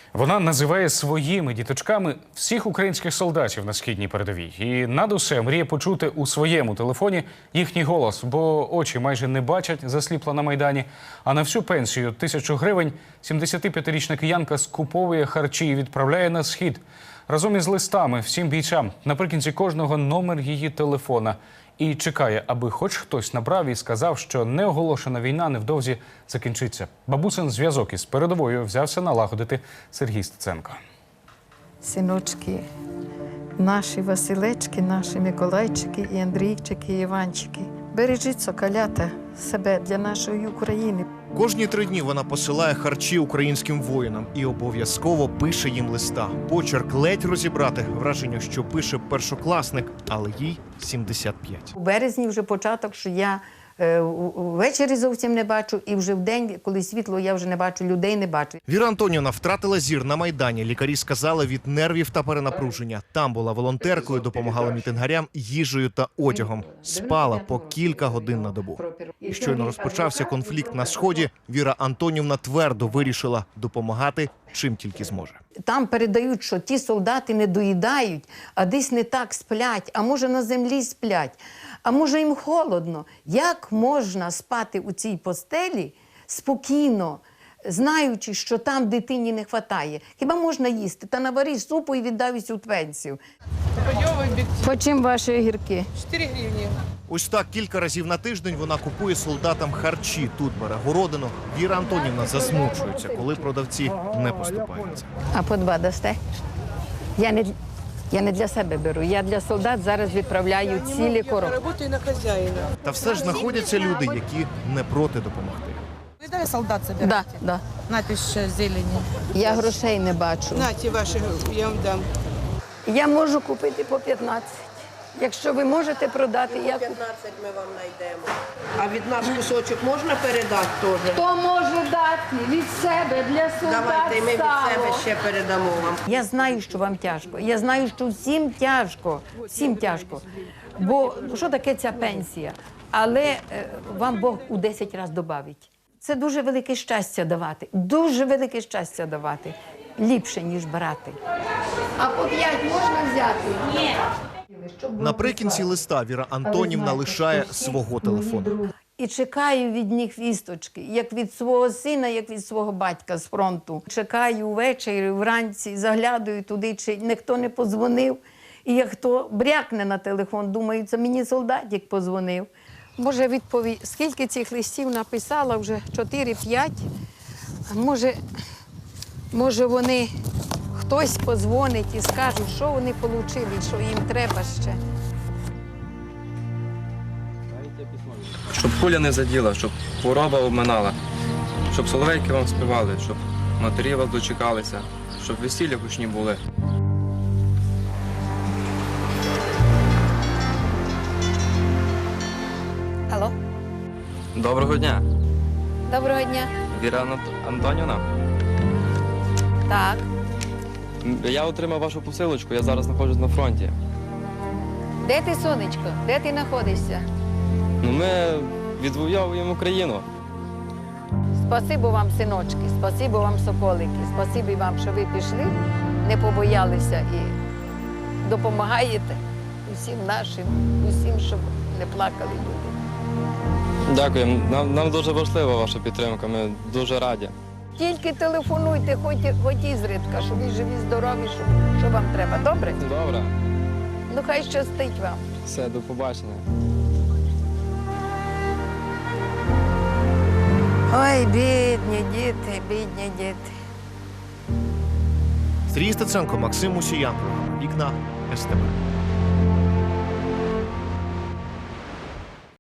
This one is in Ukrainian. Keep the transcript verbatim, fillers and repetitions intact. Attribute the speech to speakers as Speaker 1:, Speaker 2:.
Speaker 1: Вона називає своїми діточками всіх українських солдатів на східній передовій. І над усе мріє почути у своєму телефоні їхній голос, бо очі майже не бачать, засліпла на Майдані. А на всю пенсію – тисячу гривень – сімдесятип'ятирічна киянка скуповує харчі і відправляє на схід. Разом із листами всім бійцям. Наприкінці кожного номер її телефона. І чекає, аби хоч хтось набрав і сказав, що неоголошена війна невдовзі закінчиться. Бабусин зв'язок із передовою взявся налагодити Сергій Стеценко.
Speaker 2: Синочки, наші Василечки, наші Миколайчики, і Андрійчики, і Іванчики. Бережіть, соколята, себе для нашої України.
Speaker 3: Кожні три дні вона посилає харчі українським воїнам і обов'язково пише їм листа. Почерк ледь розібрати, враження, що пише першокласник, але їй сімдесят п'ять.
Speaker 2: У березні вже початок, що я е, ввечері зовсім не бачу, і вже в день, коли світло, я вже не бачу, людей не бачу.
Speaker 3: Віра Антонівна втратила зір на Майдані. Лікарі сказали, від нервів та перенапруження. Там була волонтеркою, допомагала мітингарям їжею та одягом. Спала по кілька годин на добу. І щойно розпочався конфлікт на Сході, Віра Антонівна твердо вирішила допомагати, чим тільки зможе.
Speaker 2: Там передають, що ті солдати не доїдають, а десь не так сплять, а може на землі сплять, а може їм холодно. Як можна спати у цій постелі спокійно, знаючи, що там дитині не вистачає? Хіба можна їсти? Та навариш супу і віддавись у пенсію. По чим ваші огірки?
Speaker 4: чотири гривні.
Speaker 3: Ось так кілька разів на тиждень вона купує солдатам харчі. Тут бере городину. Віра Антонівна засмучується, коли продавці не поступаються.
Speaker 2: А по два дасте? Я не, я не для себе беру, я для солдат зараз відправляю цілі коробки.
Speaker 4: Я працюю на хазяїна.
Speaker 3: Та все ж знаходяться люди, які не проти допомогти.
Speaker 4: Ви дай солдат
Speaker 2: Да,
Speaker 4: забирайте.
Speaker 2: да.
Speaker 4: Нате ще зелені.
Speaker 2: Я грошей не бачу.
Speaker 4: Наті ваші, я вам дам.
Speaker 2: Я можу купити по п'ятнадцять. Якщо ви можете продати, я куплю.
Speaker 5: п'ятнадцять ми вам знайдемо. А від нас кусочок можна передати теж?
Speaker 2: Хто може дати від себе для солдат
Speaker 5: Давайте, ми від себе ще передамо вам.
Speaker 2: Я знаю, що вам тяжко. Я знаю, що всім тяжко. Всім тяжко. Бо що таке ця пенсія? Але е, вам Бог у десять разів добавить. Це дуже велике щастя давати. Дуже велике щастя давати. Ліпше, ніж брати. А по п'ять можна взяти? Ні.
Speaker 3: Наприкінці листа Віра Антонівна лишає свого телефону.
Speaker 2: І чекаю від них вісточки, як від свого сина, як від свого батька з фронту. Чекаю ввечері, вранці, заглядаю туди, чи ніхто не подзвонив. І як хто брякне на телефон, думаю, це мені солдатик подзвонив. Може, відповідь, скільки цих листів написала, вже чотири-п'ять. Може, може вони, хтось подзвонить і скаже, що вони отримали, що їм треба ще.
Speaker 6: Щоб куля не заділа, щоб хвороба обминала, щоб соловейки вам співали, щоб матері вас дочекалися, щоб весілля гучні були.
Speaker 2: Алло?
Speaker 6: Доброго дня,
Speaker 2: Доброго дня.
Speaker 6: Віра Анат- Антонівна.
Speaker 2: Так.
Speaker 6: М, Я отримав вашу посилочку, я зараз знаходжусь на фронті.
Speaker 2: Де ти, сонечко? Де ти знаходишся?
Speaker 6: Ну, ми відвоюємо Україну.
Speaker 2: Спасибо вам, синочки, спасибо вам, соколики, спасибо вам, що ви пішли, не побоялися і допомагаєте усім нашим, усім, щоб не плакали люди.
Speaker 6: Дякую, нам, нам дуже важлива ваша підтримка, ми дуже раді.
Speaker 2: Тільки телефонуйте, хоч, хоч ізредка, що ви живі, здорові, що, що вам треба. Добре?
Speaker 6: Добре,
Speaker 2: Ну хай щастить вам.
Speaker 6: все, до побачення.
Speaker 2: Ой, бідні діти, бідні діти.
Speaker 3: Сергій Стеценко, Максим Мусіян. Вікна ес те бе.